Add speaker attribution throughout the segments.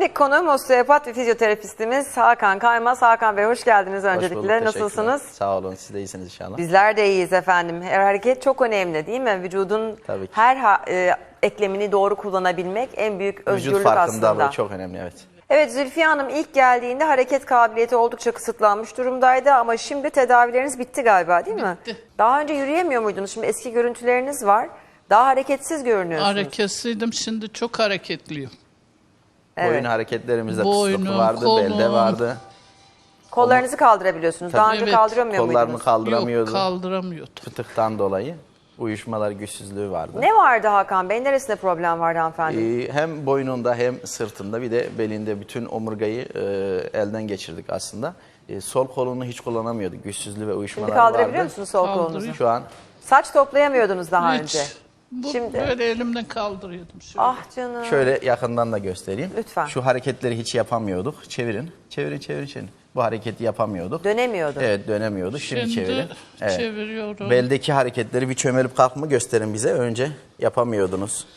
Speaker 1: Bugünkü konuğum osteopat ve fizyoterapistimiz Hakan Kaymaz. Hakan Bey hoş geldiniz öncelikle.
Speaker 2: Hoş bulduk,
Speaker 1: Nasılsınız?
Speaker 2: Sağ olun, siz de iyisiniz inşallah.
Speaker 1: Bizler de iyiyiz efendim. Her hareket çok önemli değil mi? Vücudun
Speaker 2: Tabii ki.
Speaker 1: her eklemini doğru kullanabilmek en büyük
Speaker 2: Vücut
Speaker 1: özgürlük
Speaker 2: farkındalığı
Speaker 1: aslında.
Speaker 2: çok önemli, evet.
Speaker 1: Evet, Zülfiye Hanım ilk geldiğinde hareket kabiliyeti oldukça kısıtlanmış durumdaydı ama şimdi tedavileriniz bitti galiba değil mi?
Speaker 3: Bitti.
Speaker 1: Daha önce yürüyemiyor muydunuz? Şimdi eski görüntüleriniz var. Daha hareketsiz görünüyorsunuz.
Speaker 3: Hareketsizdim, şimdi çok hareketliyim.
Speaker 1: Evet.
Speaker 2: Boyun hareketlerimizde
Speaker 3: Boynum,
Speaker 2: kısıtlık vardı,
Speaker 3: kolum.
Speaker 2: belde vardı.
Speaker 1: Kollarınızı kaldırabiliyorsunuz. Daha önce
Speaker 3: Evet.
Speaker 1: kaldıramıyor
Speaker 2: Kollarını
Speaker 1: muydunuz?
Speaker 2: kaldıramıyordu.
Speaker 3: Yok, kaldıramıyordum.
Speaker 2: Fıtıktan dolayı uyuşmalar, güçsüzlüğü vardı.
Speaker 1: Ne vardı Hakan Bey? Neresinde problem vardı hanımefendi?
Speaker 2: Hem boynunda hem sırtında bir de belinde bütün omurgayı elden geçirdik aslında. Sol kolunu hiç kullanamıyordu. Güçsüzlüğü ve uyuşmalar
Speaker 1: Şimdi kaldırabiliyor
Speaker 2: vardı.
Speaker 1: musunuz sol kolunuzu?
Speaker 3: Kaldırıyor.
Speaker 2: Şu an
Speaker 1: Saç toplayamıyordunuz daha önce.
Speaker 3: Hiç.
Speaker 1: Şimdi-
Speaker 3: Böyle elimden kaldırıyordum. Şöyle.
Speaker 1: Ah canım.
Speaker 2: şöyle yakından da göstereyim.
Speaker 1: Lütfen.
Speaker 2: Şu hareketleri hiç yapamıyorduk. Çevirin, çevirin. Bu hareketi yapamıyorduk.
Speaker 1: Dönemiyordu.
Speaker 2: Evet, dönemiyordu. Şimdi çevirin. Evet.
Speaker 3: çeviriyorum.
Speaker 2: Beldeki hareketleri bir çömelip kalkma gösterin bize. Önce yapamıyordunuz.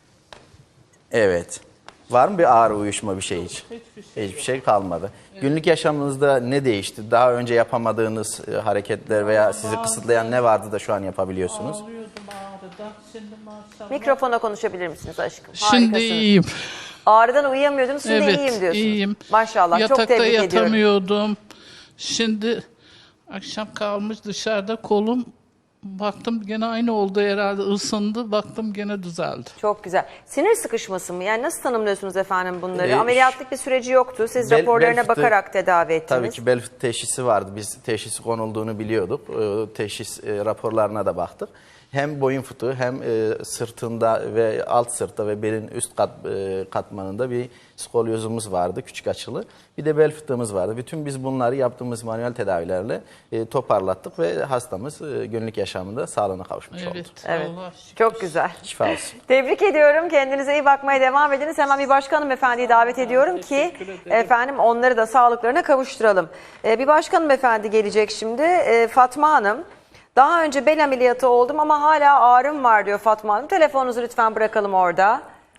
Speaker 2: Evet. Var mı bir ağrı, uyuşma, bir şey hiç? Hiçbir şey kalmadı. Günlük yaşamınızda ne değişti? Daha önce yapamadığınız hareketler veya sizi kısıtlayan ne vardı da şu an yapabiliyorsunuz?
Speaker 3: Ağlıyordum ağrıdan. Şimdi maşallah.
Speaker 1: Mikrofona konuşabilir misiniz aşkım?
Speaker 3: Şimdi
Speaker 1: Harikasınız.
Speaker 3: iyiyim.
Speaker 1: Ağrıdan uyuyamıyordunuz, şimdi
Speaker 3: Evet,
Speaker 1: iyiyim diyorsunuz.
Speaker 3: iyiyim.
Speaker 1: Maşallah, çok
Speaker 3: Yatakta
Speaker 1: tebrik ediyorum.
Speaker 3: yatamıyordum. Şimdi akşam kalmış dışarıda kolum. Baktım gene aynı oldu herhalde. Isındı. Baktım gene düzeldi.
Speaker 1: Çok güzel. Sinir sıkışması mı? Yani nasıl tanımlıyorsunuz efendim bunları?
Speaker 2: Ee,
Speaker 1: Ameliyatlık bir süreci yoktu. Siz
Speaker 2: Bel
Speaker 1: raporlarına
Speaker 2: fıtığı-
Speaker 1: bakarak tedavi ettiniz.
Speaker 2: Tabii ki bel fıtığı teşhisi vardı. Biz teşhisi konulduğunu biliyorduk. Teşhis raporlarına da baktık. Hem boyun fıtığı hem sırtında ve alt sırtta ve belin üst katmanında bir skolyozumuz vardı, küçük açılı. Bir de bel fıtığımız vardı. Bütün biz bunları yaptığımız manuel tedavilerle toparlattık ve hastamız günlük yaşamında sağlığına kavuşmuş oldu.
Speaker 1: Evet.
Speaker 3: Allah şükür.
Speaker 1: Çok güzel.
Speaker 2: Şifa olsun.
Speaker 1: Tebrik ediyorum. Kendinize iyi bakmaya devam ediniz. Hemen bir başka hanımefendiyi davet ediyorum ki efendim onları da sağlıklarına kavuşturalım. Bir başka hanımefendi gelecek şimdi. Fatma Hanım. Daha önce bel ameliyatı oldum ama hala ağrım var diyor Fatma Hanım. Telefonunuzu lütfen bırakalım orada.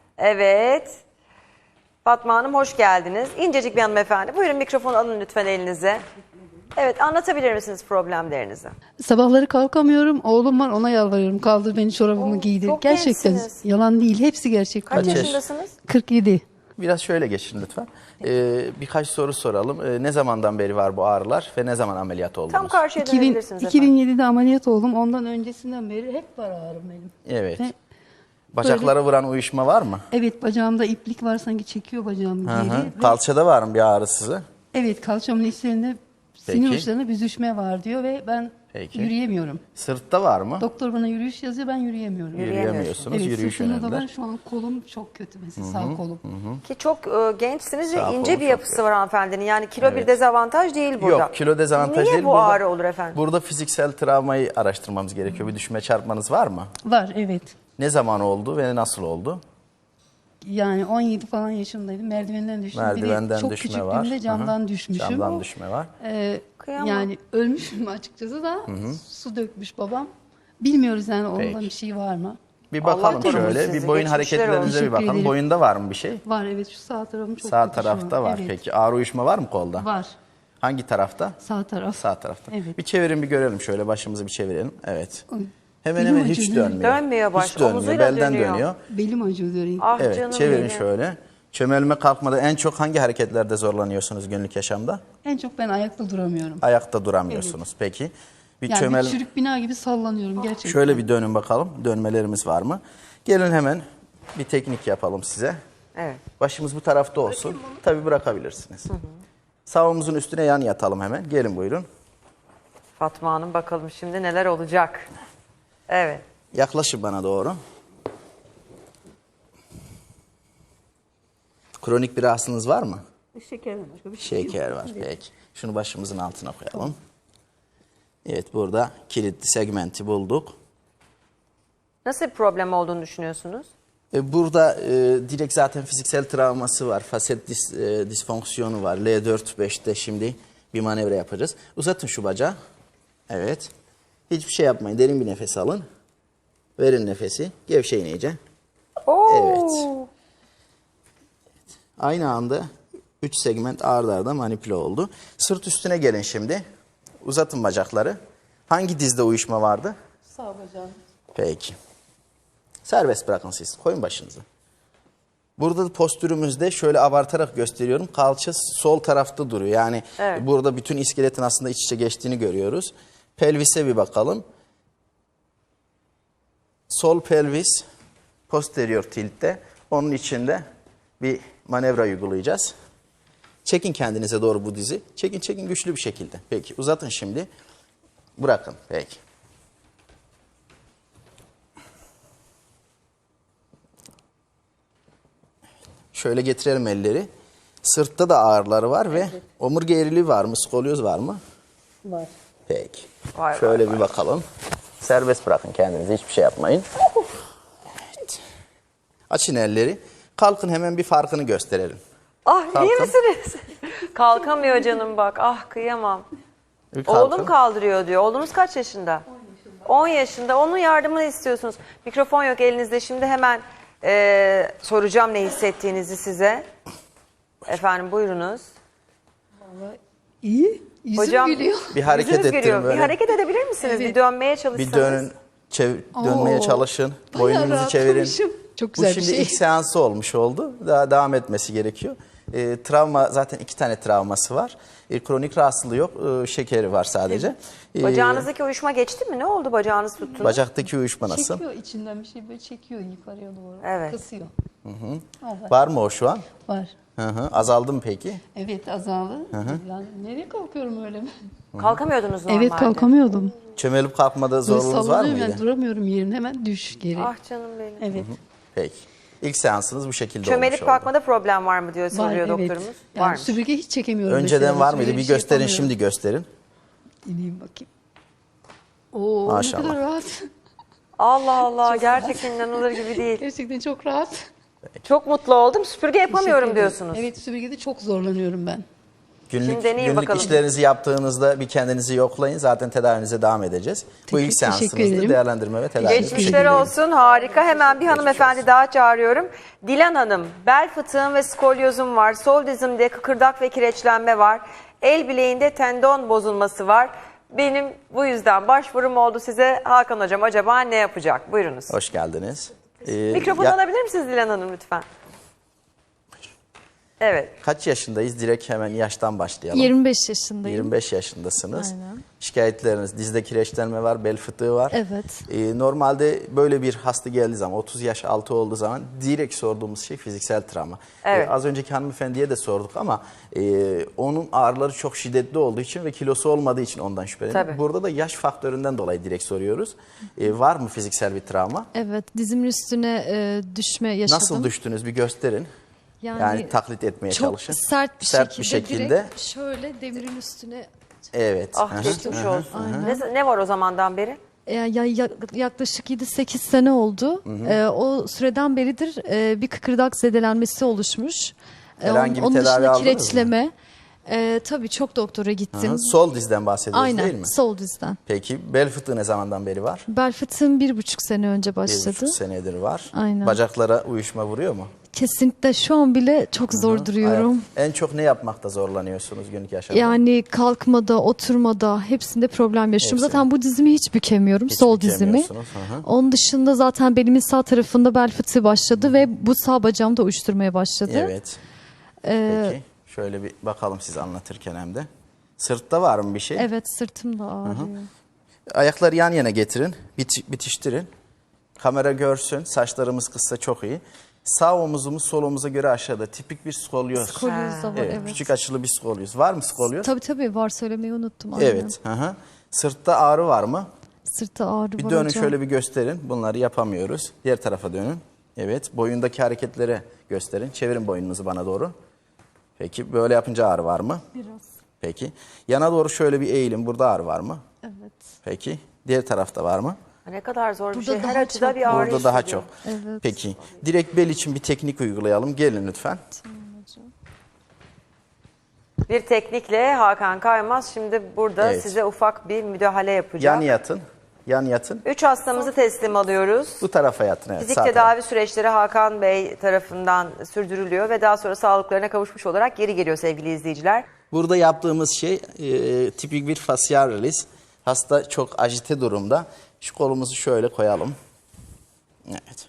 Speaker 1: Evet. Fatma Hanım hoş geldiniz. İncecik bir hanımefendi. Buyurun mikrofonu alın lütfen elinize. Evet, anlatabilir misiniz problemlerinizi?
Speaker 4: Sabahları kalkamıyorum. Oğlum var, ona yalvarıyorum. Kaldır beni, çorabımı giydir.
Speaker 1: çok
Speaker 4: Gerçekten
Speaker 1: gençsiniz.
Speaker 4: yalan değil. Hepsi gerçek.
Speaker 1: Kaç
Speaker 2: yaş?
Speaker 1: yaşındasınız?
Speaker 4: 47.
Speaker 2: Biraz şöyle geçin lütfen. Birkaç soru soralım. Ne zamandan beri var bu ağrılar ve ne zaman ameliyat oldunuz?
Speaker 1: Tam karşıya dönebilirsiniz efendim.
Speaker 4: 2007'de ameliyat oldum. Ondan öncesinden beri hep var ağrım benim.
Speaker 2: Evet.
Speaker 4: Ve
Speaker 2: Bacaklara vuran uyuşma var mı?
Speaker 4: evet, bacağımda iplik var, sanki çekiyor bacağımı
Speaker 2: Hı
Speaker 4: geri.
Speaker 2: hı.
Speaker 4: Ve
Speaker 2: Kalçada var mı bir ağrı size?
Speaker 4: evet, kalçamın içlerinde
Speaker 2: Peki.
Speaker 4: sinir uçlarında büzüşme var diyor ve ben
Speaker 2: Peki.
Speaker 4: yürüyemiyorum.
Speaker 2: Sırtta var mı?
Speaker 4: Doktor bana yürüyüş yazıyor, ben yürüyemiyorum.
Speaker 2: Yürüyemiyorsunuz.
Speaker 4: Evet,
Speaker 2: Yürüyüş
Speaker 4: sırtımda da
Speaker 2: önemli.
Speaker 4: var. Şu an kolum çok kötü mesela, sağ kolum.
Speaker 1: Ki çok gençsiniz ve
Speaker 2: Sağ
Speaker 1: ince
Speaker 2: kolu
Speaker 1: bir
Speaker 2: çok
Speaker 1: yapısı var hanımefendinin. Yani kilo bir
Speaker 2: Evet.
Speaker 1: dezavantaj değil burada.
Speaker 2: Yok, kilo dezavantaj
Speaker 1: Niye
Speaker 2: değil.
Speaker 1: bu ağrı olur efendim?
Speaker 2: Burada fiziksel travmayı araştırmamız gerekiyor. Bir düşme çarpmanız var mı?
Speaker 4: Var, evet.
Speaker 2: Ne zaman oldu ve nasıl oldu?
Speaker 4: Yani 17 falan yaşındaydım. Merdivenden düştüm.
Speaker 2: Merdivenden
Speaker 4: bir de çok
Speaker 2: düşme
Speaker 4: küçüklüğümde
Speaker 2: var.
Speaker 4: camdan
Speaker 2: Hı hı.
Speaker 4: düşmüşüm.
Speaker 2: Camdan düşme var.
Speaker 1: Kıyamam.
Speaker 4: Yani ölmüşüm açıkçası da su dökmüş babam. Bilmiyoruz yani ondan
Speaker 2: Peki.
Speaker 4: bir şey var mı?
Speaker 2: Bir
Speaker 1: Allah
Speaker 2: bakalım
Speaker 1: korusun
Speaker 2: şöyle.
Speaker 1: sizi,
Speaker 2: Bir boyun
Speaker 1: geçmişler
Speaker 2: hareketlerinize
Speaker 4: olsun.
Speaker 2: bir bakalım.
Speaker 4: Teşekkür ederim.
Speaker 2: Boyunda var mı bir şey?
Speaker 4: Var, evet, şu sağ tarafım çok
Speaker 2: Sağ
Speaker 4: kötü şu an.
Speaker 2: tarafta var.
Speaker 4: Evet.
Speaker 2: Peki ağrı uyuşma var mı kolda?
Speaker 4: Var.
Speaker 2: Hangi tarafta?
Speaker 4: Sağ taraf.
Speaker 2: Sağ tarafta.
Speaker 4: Evet.
Speaker 2: Bir çevirin bir görelim şöyle, başımızı bir çevirelim. Evet.
Speaker 4: Oy.
Speaker 2: Hemen
Speaker 4: Belim
Speaker 2: hemen hiç
Speaker 4: acıyor.
Speaker 2: dönmüyor.
Speaker 1: Dönmüyor baş,
Speaker 2: Hiç dönmüyor.
Speaker 1: omuzuyla
Speaker 2: Belden
Speaker 1: dönüyor.
Speaker 2: dönüyor.
Speaker 4: Belim acıyor diyor.
Speaker 1: Ah
Speaker 2: Evet,
Speaker 1: canım
Speaker 2: çevirin
Speaker 1: benim.
Speaker 2: şöyle. Çömelme kalkmada en çok hangi hareketlerde zorlanıyorsunuz günlük yaşamda?
Speaker 4: En çok ben ayakta duramıyorum.
Speaker 2: Ayakta duramıyorsunuz. Peki. Bir
Speaker 4: Yani
Speaker 2: çömel...
Speaker 4: bir çürük bina gibi sallanıyorum gerçekten.
Speaker 2: Şöyle bir dönün bakalım. Dönmelerimiz var mı? Gelin hemen bir teknik yapalım size.
Speaker 1: Evet.
Speaker 2: Başımız bu tarafta olsun. Tabii bırakabilirsiniz. Sağ omuzun üstüne yan yatalım hemen. Gelin buyurun.
Speaker 1: Fatma Hanım bakalım şimdi neler olacak. Evet.
Speaker 2: Yaklaşın bana doğru. Kronik bir rahatsızlığınız var mı?
Speaker 4: Şekerden başka bir şey yok.
Speaker 2: Şeker var. Peki. Şunu başımızın altına koyalım. Evet, burada kilitli segmenti bulduk. Nasıl
Speaker 1: bir problem olduğunu düşünüyorsunuz?
Speaker 2: Burada direkt zaten fiziksel travması var. Faset disfonksiyonu var. L4-5'te şimdi bir manevra yapacağız. Uzatın şu bacağı. Evet. Hiçbir şey yapmayın. Derin bir nefes alın. Verin nefesi. Gevşeyin iyice.
Speaker 1: Oo.
Speaker 2: Evet. Aynı anda 3 segment ard arda manipüle oldu. Sırt üstüne gelin şimdi. Uzatın bacakları. Hangi dizde uyuşma vardı?
Speaker 4: Sağ bacağım.
Speaker 2: Peki. Serbest bırakın siz. Koyun başınızı. Burada postürümüzde şöyle abartarak gösteriyorum. Kalça sol tarafta duruyor. Yani
Speaker 1: Evet.
Speaker 2: burada bütün iskeletin aslında iç içe geçtiğini görüyoruz. Pelvise bir bakalım. Sol pelvis posterior tiltte. Onun içinde bir manevra uygulayacağız. Çekin kendinize doğru bu dizi. Çekin güçlü bir şekilde. Peki uzatın şimdi. Bırakın. Peki. Şöyle getirelim elleri. Sırtta da ağrıları var ve omurga eğriliği var mı? Skolyoz var mı?
Speaker 4: Var.
Speaker 2: Peki.
Speaker 1: Var,
Speaker 2: Şöyle
Speaker 1: var,
Speaker 2: bir bakalım. Serbest bırakın kendinizi. Hiçbir şey yapmayın. Evet. Açın elleri. Kalkın hemen bir farkını gösterelim.
Speaker 1: Ah iyi
Speaker 2: Kalkın.
Speaker 1: misiniz? Kalkamıyor canım bak. Ah kıyamam.
Speaker 2: Bir kalkın.
Speaker 1: Oğlum kaldırıyor diyor. Oğlunuz kaç yaşında? 10 yaşında. Onun yardımını istiyorsunuz. Mikrofon yok elinizde. Şimdi hemen soracağım ne hissettiğinizi size. Efendim buyurunuz.
Speaker 4: Vallahi iyi. Yüzüm
Speaker 1: Hocam
Speaker 4: gülüyor.
Speaker 2: Bir hareket
Speaker 1: yüzünüz
Speaker 2: ettirin
Speaker 1: gülüyor.
Speaker 2: böyle.
Speaker 1: Bir hareket edebilir misiniz?
Speaker 4: Evet.
Speaker 1: Bir dönmeye çalışsanız.
Speaker 2: Bir dönün. Dönmeye
Speaker 4: Oo.
Speaker 2: çalışın.
Speaker 4: Bayağı
Speaker 2: Boynunuzu çevirin.
Speaker 4: rahatlamışım. Çok güzel
Speaker 2: Bu
Speaker 4: bir
Speaker 2: şimdi
Speaker 4: şey.
Speaker 2: ilk seansı olmuş oldu. Daha devam etmesi gerekiyor. Travma zaten 2 tane travması var. Kronik rahatsızlığı yok. Şekeri var sadece.
Speaker 1: Bacağınızdaki uyuşma geçti mi? Ne oldu bacağınız tuttunuz?
Speaker 2: Bacaktaki uyuşma nasıl?
Speaker 4: Çekiyor içinden bir şey böyle çekiyor yukarıya doğru.
Speaker 1: Evet.
Speaker 4: Kasıyor. Evet.
Speaker 2: Var mı o şu an?
Speaker 4: Var.
Speaker 2: Azaldı mı peki?
Speaker 4: Evet azaldı. Yani nereye kalkıyorum öyle mi?
Speaker 1: Kalkamıyordunuz normalde.
Speaker 4: Evet kalkamıyordum.
Speaker 2: Çömelip kalkmada
Speaker 4: Böyle
Speaker 2: zorluğunuz var
Speaker 4: sallanıyorum
Speaker 2: mıydı?
Speaker 4: yani duramıyorum yerimde hemen düş geri.
Speaker 1: Ah canım benim.
Speaker 4: Evet.
Speaker 2: Peki. İlk seansınız bu şekilde
Speaker 1: Çömelip
Speaker 2: olmuş oldu.
Speaker 1: kalkmada problem var mı diyor
Speaker 4: Var
Speaker 1: soruyor
Speaker 4: evet.
Speaker 1: doktorumuz.
Speaker 4: Yani
Speaker 1: Varmış.
Speaker 4: süpürge hiç çekemiyorum
Speaker 2: Önceden
Speaker 4: mesela.
Speaker 2: var mıydı?
Speaker 4: Süpürge
Speaker 2: Bir
Speaker 4: şey
Speaker 2: gösterin
Speaker 4: yapamıyorum.
Speaker 2: şimdi gösterin.
Speaker 4: İneyim bakayım. Oo
Speaker 2: Maşallah.
Speaker 4: ne kadar rahat.
Speaker 1: Allah Allah gerçekten inanılır gibi değil.
Speaker 4: Gerçekten çok rahat.
Speaker 1: Çok mutlu oldum. Süpürge yapamıyorum
Speaker 4: Teşekkür ederim.
Speaker 1: diyorsunuz.
Speaker 4: Evet süpürgede çok zorlanıyorum ben.
Speaker 2: Günlük,
Speaker 1: deneyin
Speaker 2: günlük
Speaker 1: bakalım.
Speaker 2: işlerinizi yaptığınızda bir kendinizi yoklayın. Zaten tedavinize devam edeceğiz. Bu ilk
Speaker 4: Teşekkür
Speaker 2: seansınızda
Speaker 4: ederim.
Speaker 2: değerlendirme ve tedavi.
Speaker 1: Geçmişler olsun harika. Hemen bir hanımefendi daha çağırıyorum. Dilan Hanım, bel fıtığım ve skolyozum var. Sol dizimde kıkırdak ve kireçlenme var. El bileğinde tendon bozulması var. Benim bu yüzden başvurum oldu size. Hakan Hocam acaba ne yapacak? Buyurunuz.
Speaker 2: Hoş geldiniz.
Speaker 1: Mikrofonu alabilir misiniz Dilan Hanım lütfen? Evet.
Speaker 2: Kaç yaşındayız? Direkt hemen yaştan başlayalım.
Speaker 5: 25 yaşındayım.
Speaker 2: 25 yaşındasınız.
Speaker 5: Aynen.
Speaker 2: Şikayetleriniz dizde kireçlenme var, bel fıtığı var.
Speaker 5: Evet.
Speaker 2: Normalde böyle bir hasta geldiği zaman 30 yaş altı olduğu zaman direkt sorduğumuz şey fiziksel travma.
Speaker 1: Evet.
Speaker 2: Az önceki hanımefendiye de sorduk ama onun ağrıları çok şiddetli olduğu için ve kilosu olmadığı için ondan şüpheleniyoruz.
Speaker 1: Tabii.
Speaker 2: Burada da yaş faktöründen dolayı direkt soruyoruz. Var mı fiziksel bir travma?
Speaker 5: Evet, dizimin üstüne düşme yaşadım.
Speaker 2: Nasıl düştünüz bir gösterin. Yani taklit etmeye
Speaker 5: çok
Speaker 2: çalışın.
Speaker 5: sert bir
Speaker 2: Sert
Speaker 5: şekilde,
Speaker 2: bir şekilde.
Speaker 5: direkt şöyle demirin üstüne
Speaker 2: Evet.
Speaker 1: Ah
Speaker 2: Hı hı.
Speaker 1: geçmiş olsun. Ne var o zamandan beri?
Speaker 5: yaklaşık 7-8 sene oldu. O süreden beridir bir kıkırdak zedelenmesi oluşmuş.
Speaker 2: Herhangi bir
Speaker 5: onun
Speaker 2: tedavi
Speaker 5: dışında
Speaker 2: aldınız mı?
Speaker 5: kireçleme. Tabii çok doktora gittim.
Speaker 2: Hı, sol dizden bahsediyoruz
Speaker 5: Aynen,
Speaker 2: değil mi?
Speaker 5: sol dizden.
Speaker 2: Peki bel fıtığı ne zamandan beri var?
Speaker 5: Bel fıtığım 1,5 sene önce başladı.
Speaker 2: 1,5 senedir var.
Speaker 5: Aynen.
Speaker 2: Bacaklara uyuşma vuruyor mu?
Speaker 5: Kesinlikle şu an bile çok zor duruyorum.
Speaker 2: En çok ne yapmakta zorlanıyorsunuz günlük yaşamda?
Speaker 5: Yani kalkmada, oturmada hepsinde problem yaşıyorum.
Speaker 2: Hepsi.
Speaker 5: Zaten bu dizimi hiç bükemiyorum,
Speaker 2: Hiç
Speaker 5: sol dizimi.
Speaker 2: bükemiyorsunuz, hı hı.
Speaker 5: Onun dışında zaten belimin sağ tarafında bel fıtığı başladı ve bu sağ bacağım da uyuşturmaya başladı.
Speaker 2: Evet. Peki şöyle bir bakalım siz anlatırken hem de. Sırtta var mı bir şey?
Speaker 5: Evet, sırtım da ağrıyor.
Speaker 2: Ayakları yan yana getirin, bitiştirin. Kamera görsün, saçlarımız kısa çok iyi. Sağ omuzumuz sol omuza göre aşağıda. Tipik bir skolyoz.
Speaker 5: Skolyoz da var,
Speaker 2: Evet,
Speaker 5: evet.
Speaker 2: küçük açılı bir skolyoz. Var mı skolyoz?
Speaker 5: Tabii var, söylemeyi unuttum. Aynen.
Speaker 2: Evet. Hı hı. Sırtta ağrı var mı?
Speaker 5: Sırtta ağrı
Speaker 2: Bir
Speaker 5: var
Speaker 2: dönün
Speaker 5: hocam.
Speaker 2: şöyle bir gösterin. Bunları yapamıyoruz. Diğer tarafa dönün. Evet. Boyundaki hareketleri gösterin. Çevirin boynunuzu bana doğru. Peki böyle yapınca ağrı var mı?
Speaker 5: Biraz.
Speaker 2: Peki. Yana doğru şöyle bir eğilin. Burada ağrı var mı?
Speaker 5: Evet.
Speaker 2: Peki. Diğer tarafta var mı?
Speaker 1: Ne kadar zor bir
Speaker 5: Burada
Speaker 1: şey. Her
Speaker 5: daha
Speaker 1: açıda
Speaker 5: çok.
Speaker 1: bir ağrı
Speaker 2: Burada daha
Speaker 1: hissediyorum.
Speaker 2: çok.
Speaker 5: Evet.
Speaker 2: Peki. Direkt bel için bir teknik uygulayalım. Gelin lütfen.
Speaker 1: Bir teknikle Hakan Kaymaz şimdi burada
Speaker 2: Evet.
Speaker 1: size ufak bir müdahale yapacak.
Speaker 2: Yan yatın. Yan yatın.
Speaker 1: 3 hastamızı teslim alıyoruz.
Speaker 2: Bu tarafa yatın. Evet,
Speaker 1: Fizik
Speaker 2: sağ
Speaker 1: tedavi
Speaker 2: tarafa.
Speaker 1: süreçleri Hakan Bey tarafından sürdürülüyor ve daha sonra sağlıklarına kavuşmuş olarak geri geliyor sevgili izleyiciler.
Speaker 2: Burada yaptığımız şey tipik bir facial release. Hasta çok ajite durumda. Şu kolumuzu şöyle koyalım. Evet.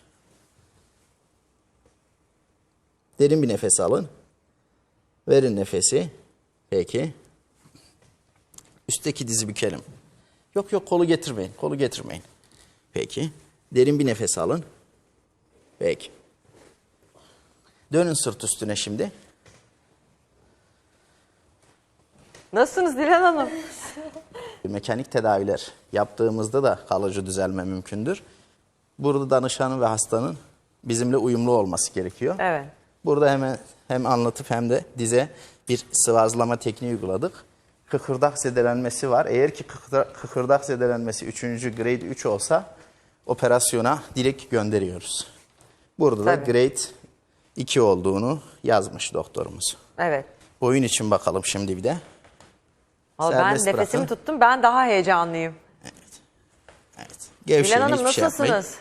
Speaker 2: Derin bir nefes alın. Verin nefesi. Peki. Üstteki dizi bükelim. Yok yok, kolu getirmeyin. Kolu getirmeyin. Peki. Derin bir nefes alın. Peki. Dönün sırt üstüne şimdi.
Speaker 1: Nasılsınız Dilan Hanım?
Speaker 2: Mekanik tedaviler yaptığımızda da kalıcı düzelme mümkündür. Burada danışanın ve hastanın bizimle uyumlu olması gerekiyor.
Speaker 1: Evet.
Speaker 2: Burada hemen hem anlatıp hem de dize bir sıvazlama tekniği uyguladık. Kıkırdak zedelenmesi var. Eğer ki kıkırdak zedelenmesi 3. grade 3 olsa operasyona direkt gönderiyoruz. Burada da
Speaker 1: Tabii.
Speaker 2: grade 2 olduğunu yazmış doktorumuz.
Speaker 1: Evet.
Speaker 2: Boyun için bakalım şimdi bir de.
Speaker 1: Vallahi ben
Speaker 2: Serbest
Speaker 1: nefesimi
Speaker 2: bırakın.
Speaker 1: tuttum. Ben daha heyecanlıyım.
Speaker 2: Evet.
Speaker 1: Dilan
Speaker 2: Gevşeyin,
Speaker 1: Hanım
Speaker 2: hiçbir şey yapmayın.
Speaker 1: nasılsınız?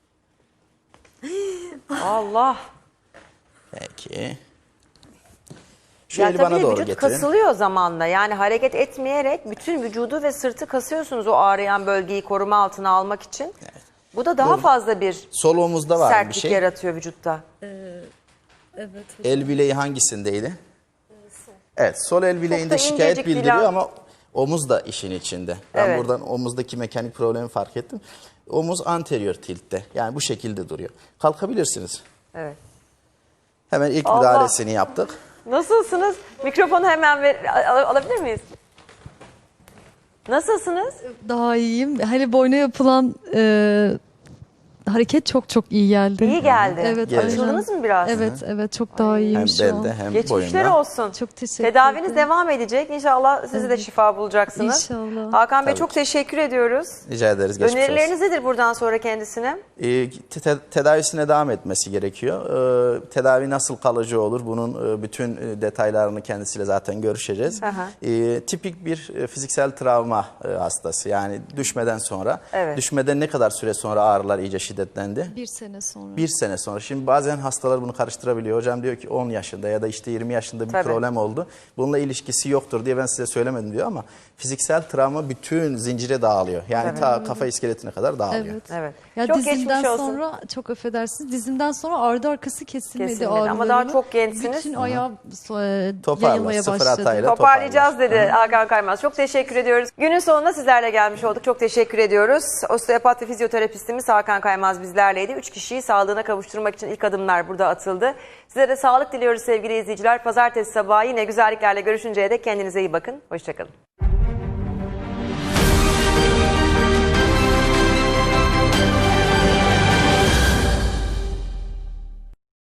Speaker 1: Allah.
Speaker 2: Peki. Şu
Speaker 1: Ya
Speaker 2: eli bana
Speaker 1: tabii
Speaker 2: doğru
Speaker 1: vücut
Speaker 2: getirin.
Speaker 1: kasılıyor zamanla. Yani hareket etmeyerek bütün vücudu ve sırtı kasıyorsunuz o ağrıyan bölgeyi koruma altına almak için. Bu da daha fazla bir
Speaker 2: Sol omuzda var bir
Speaker 1: sertlik
Speaker 2: şey.
Speaker 1: yaratıyor vücutta.
Speaker 5: Evet.
Speaker 2: El bileği hangisindeydi? Evet, sol el bileğinde
Speaker 1: da
Speaker 2: şikayet
Speaker 1: incecik
Speaker 2: bildiriyor
Speaker 1: Dilan.
Speaker 2: ama omuz da işin içinde. Ben
Speaker 1: Evet.
Speaker 2: buradan omuzdaki mekanik problemi fark ettim. Omuz anterior tiltte. Yani bu şekilde duruyor. Kalkabilirsiniz.
Speaker 1: Evet.
Speaker 2: Hemen ilk
Speaker 1: Allah.
Speaker 2: müdahalesini yaptık.
Speaker 1: Nasılsınız? Mikrofonu hemen alabilir miyiz? Nasılsınız?
Speaker 5: Daha iyiyim. Hani boyuna yapılan hareket çok çok iyi geldi.
Speaker 1: İyi geldi.
Speaker 5: Evet.
Speaker 2: Geldi.
Speaker 1: Açıldınız mı biraz?
Speaker 5: Evet, evet çok daha iyiyim
Speaker 2: Hem
Speaker 5: şu an.
Speaker 2: belde hem
Speaker 1: Geçmişler
Speaker 2: boyunda.
Speaker 1: olsun.
Speaker 5: Çok teşekkür
Speaker 1: Tedaviniz
Speaker 5: ederim.
Speaker 1: devam edecek. İnşallah siz de şifa bulacaksınız.
Speaker 5: İnşallah.
Speaker 1: Hakan Bey
Speaker 2: Tabii
Speaker 1: çok
Speaker 2: ki.
Speaker 1: teşekkür ediyoruz.
Speaker 2: Rica ederiz. Geçmiş olsun.
Speaker 1: Önerileriniz nedir buradan sonra kendisine?
Speaker 2: Tedavisine devam etmesi gerekiyor. Tedavi nasıl kalıcı olur? Bunun bütün detaylarını kendisiyle zaten görüşeceğiz.
Speaker 1: Aha.
Speaker 2: Tipik bir fiziksel travma hastası. Yani düşmeden sonra.
Speaker 1: Evet.
Speaker 2: Düşmeden ne kadar süre sonra ağrılar iyice şiddetlendi?
Speaker 5: 1 sene sonra.
Speaker 2: 1 sene sonra. Şimdi bazen hastalar bunu karıştırabiliyor. Hocam diyor ki 10 yaşında ya da işte 20 yaşında bir
Speaker 1: Tabii.
Speaker 2: problem oldu. Bununla ilişkisi yoktur diye ben size söylemedim diyor ama fiziksel travma bütün zincire dağılıyor. Yani ta kafa iskeletine kadar dağılıyor.
Speaker 5: Evet.
Speaker 1: Evet.
Speaker 5: Ya
Speaker 1: çok
Speaker 5: dizimden
Speaker 1: geçmiş olsun.
Speaker 5: sonra çok affedersiniz. Dizimden sonra ardı arkası kesilmedi,
Speaker 1: Kesilmedi ama
Speaker 5: ağrılarımın.
Speaker 1: daha çok gençsiniz.
Speaker 5: Bütün ayağım
Speaker 2: Toparla,
Speaker 5: yayılmaya
Speaker 2: sıfır
Speaker 5: başladı.
Speaker 2: hatayla.
Speaker 1: Toparlayacağız dedi Hakan Kaymaz. Çok teşekkür ediyoruz. Günün sonunda sizlerle gelmiş olduk. Çok teşekkür ediyoruz. Osteopat ve fizyoterapistimiz Hakan Kaymaz bizlerleydi. 3 kişiyi sağlığına kavuşturmak için ilk adımlar burada atıldı. Size de sağlık diliyoruz sevgili izleyiciler. Pazartesi sabahı yine güzelliklerle görüşünceye dek kendinize iyi bakın. Hoşçakalın.